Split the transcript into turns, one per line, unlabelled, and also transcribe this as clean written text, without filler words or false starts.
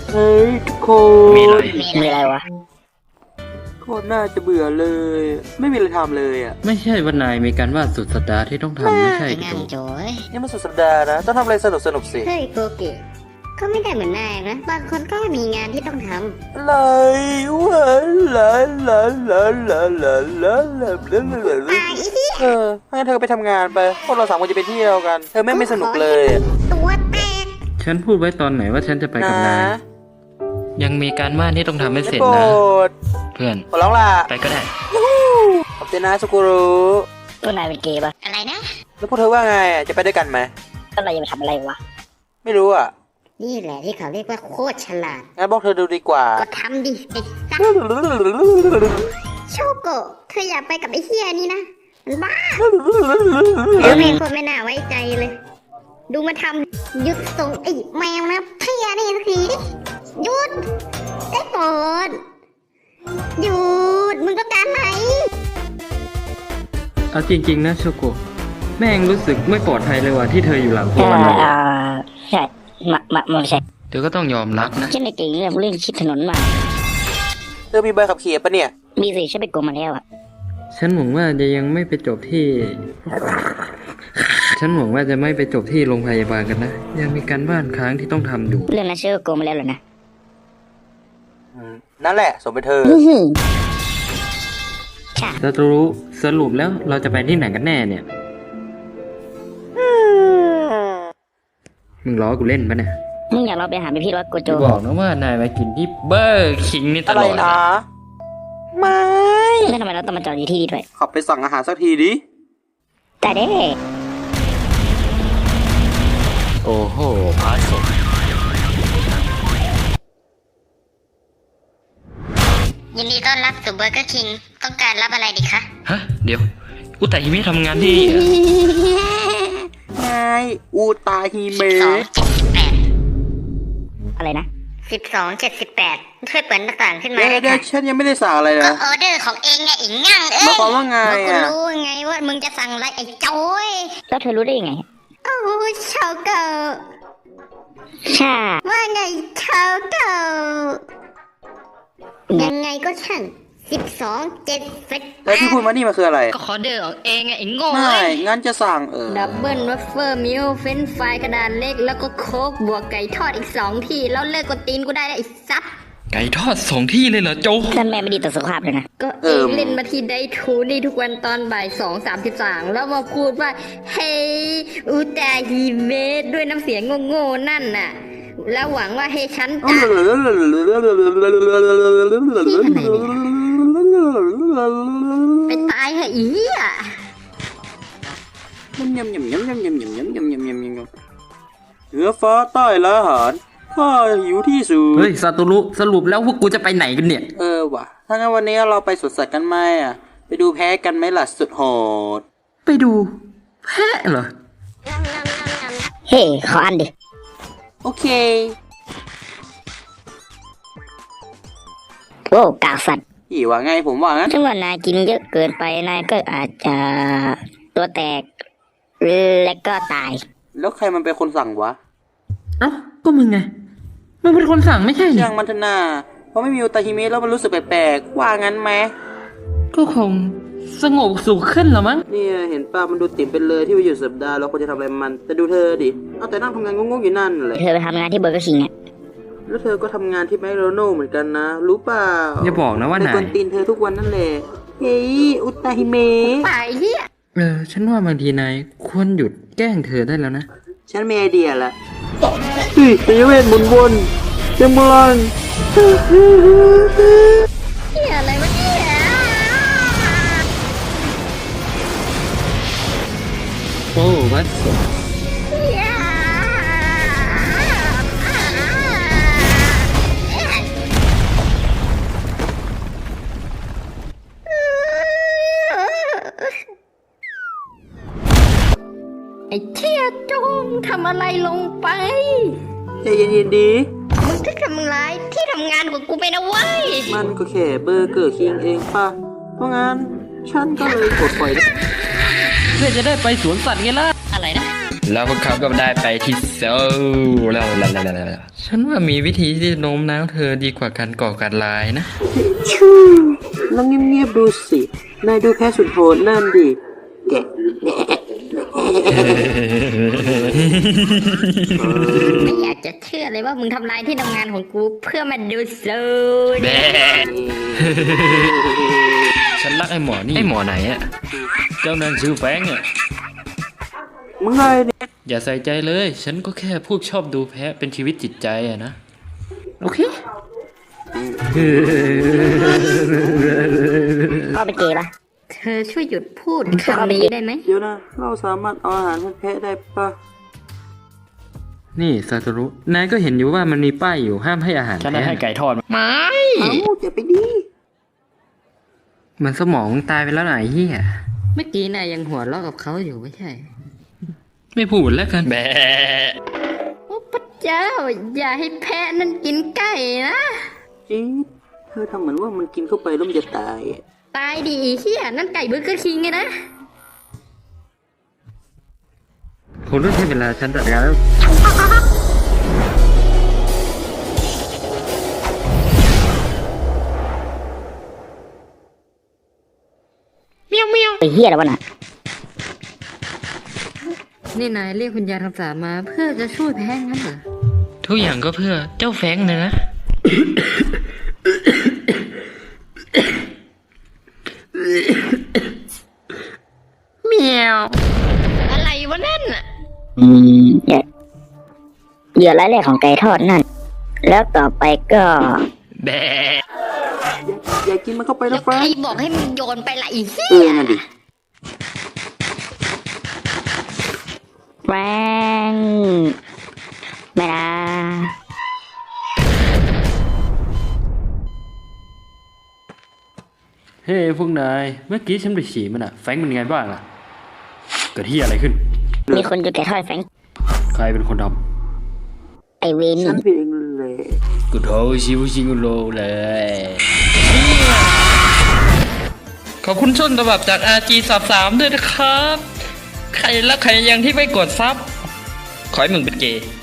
เฮ้ยทุกคน
มีอะไรวะ
โคตรน่าจะเบื่อเลย ไม่มีอะไรทำเลยอ่ะ
ไม่ใช่ว่านายมีการวาดสุดสัปดาห์ที่ต้องทำไม่ใช่
งา
ตั
น
ว
โจ้ย
นี่มันสุดสัปดาห์นะ ต้องทำอะไรสนุกสิ
เฮ้ยโกเกะก็ไม่ได้เหมือนนายนะบางคนก็มีงานที่ต้องท
อะไรวะลาลาลาลาลาลาลา
ำตายอีที่
งั้นเธอไปทำงานไป พวกเราสามคนจะไปเที่ยวกัน เธอไม่สนุกเลยอะ
ตัวแตก
ฉันพูดไว้ตอนไหนว่าฉันจะไปกับนาย ยังมีการวาดที่ต้องทำให้เสร็จ
โปร
นะ
ด
เพื่อน
ขอร้องล่ะ
ไปก็ได้
ขอบใจนะสุกุรุ
ตัวนายเป็นเกย์ปะอะไรนะ
แล้วพวกเธอว่าไงอะจะไปด้วยกันไหม
ก็เราจะไปทำอะไรวะ
ไม่รู้อ่ะ
นี่แหละที่เขาเรียกว่าโคตรฉลาด
งั้นบอกเธอดูดีกว่า
ก็ทำดิไอ้สัสโชโกะเธออย่าไปกับไอ้เฮียนี่นะมันบ้าเดี๋ยวแม่งคนไม่น่าไว้ใจเลย ดูมาทำหยุดส่งไอ้แมวนะเพียนี่สักทีดิหยุดได้โปรดหยุดมึงต้องการไหน
เอาจริงๆนะโชโกะแม่งรู้สึกไม่ปลอดภัยเลยว่ะที่เธออยู่หลังพวกมันเลย
ใช่ไม่ใช่
เธอก็ต้องยอมรับนะ
ฉันไม่เก่งเรื่องชิดถนนมา
เธอมีใบขับขี่ปะเนี่ย
มีสิฉันไปโกงมาแล้วอ่ะ
ฉันหวังว่าจะยังไม่ไปจบที่ ฉันหวังว่าจะไม่ไปจบที่โรงพยาบาลกันนะ ยังมีการบ้านค้างที่ต้องทำอยู่
เรื่องนั้นฉันก็โกงมาแล้วเหรอนะ
นั่นแหละสมเป็นเธอ
ใช่
เราจะรู้สรุปแล้วเราจะไปที่ไหนกันแน่เนี่ย มึงล้อกูเล่นปะเนี่ย
มึงอยากเราไปหาพี่รถโกโจ
จะบอกนะว่านายมากินที่เบอร์คิงนี่ต
อะ
ล
ไร
อด
นะ ไม่
แล้วทำไมเราต้องมาจอดอยู่ที่นี่ด้วย
ขับไปสั่งอาหารสักทีดิ
แต่เด้
โอ้โหพาสม
ยินดีต้อนรับสู่เบอร์เกอร์คิงต้องการรับอะไรดีคะ
ฮะ เดี๋ยว อุตาฮิมิทำงานที่
นายอูตาฮิเมะ
อะไรนะ1278ช่วยเปิดหน้าต่างขึ้นมา
เดี๋ยว
ได้
เดี๋ยว
ค่ะ
ฉันยังไม่ได้สั่งอะไร
ก็
นะ
ออเดอร์ของเองไงอีกงั่งเอ้
หมาย
ย
ความว่าไง
กู
อ่ะ
รู้ไงว่ามึงจะสั่งอะไรไอ้โจ้ยแล้วเธอรู้ได้ยังไงโอ้ชาวเก่าใช่ว่าไงชาวเก่ายังไงก็ช่าง1278
แล้วที่พูดมานี่มันคืออะไร
ก็ออเดอร์ของเองไงไอ้โง่
ไม่งั้นจะสั่ง
ดับเบิลวัฟเฟิลมิลเฟนฟรายกระดานเล็กแล้วก็โค้กบวกไก่ทอดอีก2ที่แล้วเลิกกดตีนกูได้แล้วไอ้ซับ
ไก่ทอด2 ที่เลยเหรอโจ
ท่านแม่ไม่ดีต่อสุขภาพเลยนะ ก็เองเล่นมาที่ได้ทูนี่ทุกวันตอนบ่าย2:33แล้วมาพูดว่าเฮ้ยอุตาฮิเมะด้วยน้ำเสียงโง่ๆนั่นน่ะ แล้วหวังว่าให้ฉันจะไปตายเหอะอีอ่ะ
ยำเหนือฟ้าใต้ละอาหารข้าหิวที่สุด
เฮ้ยซาตุรุสรุปแล้วพวกกูจะไปไหนกันเนี่ย
ว่ะ ถ้างั้นวันนี้เราไปสวนสัตว์กันไหมอ่ะ ไปดูแพ้กันไหมล่ะสุดโหด
ไปดู แพะเหรอ
เฮ้ขออันดิ
โอเค
โว้กากสัตว์
อีว่าไงผมว่างั้น
ถ้าว่านายกินเยอะเกินไปนายก็อาจจะตัวแตกและก็ตาย
แล้วใครมันเป็นคนสั่งวะ
เอ้า ก็มึงไง มึงเป็นคนสั่งไม่ใช่เหร
ช่า
อง
มันเถอะนาเพราะไม่มีอุตาฮิเมะแล้วมันรู้สึกแปลกๆว่างั้นไหม
ก็คงสงบสุขขึ้นเหรอมั้ง
เนี่ยเห็นป้ามันดูติ่มเป็นเลยที่ไปอยู่สัปดาห์เราควรจะทำอะไรมัน แต่ดูเธอดิ เอาแต่นั่งทำงานงงๆอยู่นั่นแหละ
เธอไปทำงานที่เบอร์เกอร์คิงอ่ะ
แล้วเธอก็ทำงานที่แมคโดนัลด์เหมือนกันนะ รู้เปล่า
อย่าบอกนะว่า
ไป
นาก
วย นตีนเธอทุกวันนั่นแหละ เฮ้ย อุตาฮิเมะ
ตายเฮีย
ฉันว่าบางทีนายควรหยุดแกล้งเธอได้แล้วนะ
ฉันมีไอเดียละเฮ้ยเป็นเวทหมุนวนเต็มพลัง
เฮียอะไรวะเนี่ย
โอ้วัดสม
เฮียไอ้เทียจงทำอะไรลงไป
ใจเย็นๆดี
มึงจะทำร้ายที่ทำงานของกูไปนะเว้ย
มันก็แค่เบอร์เกอร์คิงเองป่ะ เพราะงั้นฉันก็เลยกดปล่อย
เพื่อจะได้ไปสวนสัตว์ไงล่ะ
อะไรนะ
เ
แล้วพวกเขาก็ได้ไปที่โซลแล้วฉันว่ามีวิธีที่จะโน้มน้าวเธอดีกว่าการก่อการร้ายนะ
ชูลองเงียบๆดูสิ นายดูแพ้สุดโหดนั่นดิ แกะ
ไม่อยากจะเชื่อเลยว่ามึงทำลายที่ทำงานของกูเพื่อมาดูโซน
ฉันรักไอ้หมอนี่ ไอ้หมอไหนอะเจ้านั่นชื่อแฟงอะ
มึงไงเนี่ย
อย่าใส่ใจเลย ฉันก็แค่พวกชอบดูแพ้เป็นชีวิตจิตใจอะนะ โอเค
พ่อเป็นเกย์ปะเธอช่วยหยุดพูดคำนี้ได้ไหม
เดี๋ยวนะ เราสามารถเอาอาหารให้แพะได้ปะ
นี่ซาโตรุ นายก็เห็นอยู่ว่ามันมีป้ายอยู่ห้ามให้อาหาร
ฉันได้ให้ไก่ทอดมา
ไม่
เอ้าอย่าไปดี
มันสมองตายไปแล้วไหนเฮีย
เมื่อกี้นายยังหัวเราะกับเขาอยู่ไม่ใช่
ไม่พูดแล้วกัน แบ
โอ้พระเจ้า อย่าให้แพะนั่นกินไก่นะ
จี๊ดเธอทำเหมือนว่ามันกินเข้าไปแล้วมันจะตายอะ
ตายดีเฮียนั่นไก่เบอร์เกอร์คิงไงนะ
คุณต้องใช้เวลาฉันจัดการแล้ว
ไอ้เหี้ยอะไรวะน่ะ
นี่นายเรียกคุณยายคำสาปมาเพื่อจะช่วยแพ้งั้นเหรอ
ทุกอย่างก็เพื่อเจ้าแฟงเลยนะ
เมียว
อะไรวะนั่นน่ะ
เหยื่อรายแรกของไก่ทอดนั่น แล้วต่อไปก็
แบ
อย่ากินมันเข้าไป
แล้
นะ
ว
แฟ
ใคร
ง
บอกให้มึงโยนไปละอีเหี้
เอย อนั่นดิ
แฟรงไม่นะ
เฮ้พวกนาย เมื่อกี้ฉันไปฉี่มันอะแฟงเป็นไงบ้างล่ะเกิดที่อะไรขึ้น
มีคนจะไก่ทอดแฟรง
ใครเป็นคนท
ไอเวน
ฉันผิดเองเลย
ำกูโทรชิวชิงโลเลย
ขอบคุณต้นฉบับจาก RG33 ด้วยนะครับ ใครและใครยังที่ไม่กดซับ ขอให้มึงเป็นเกย์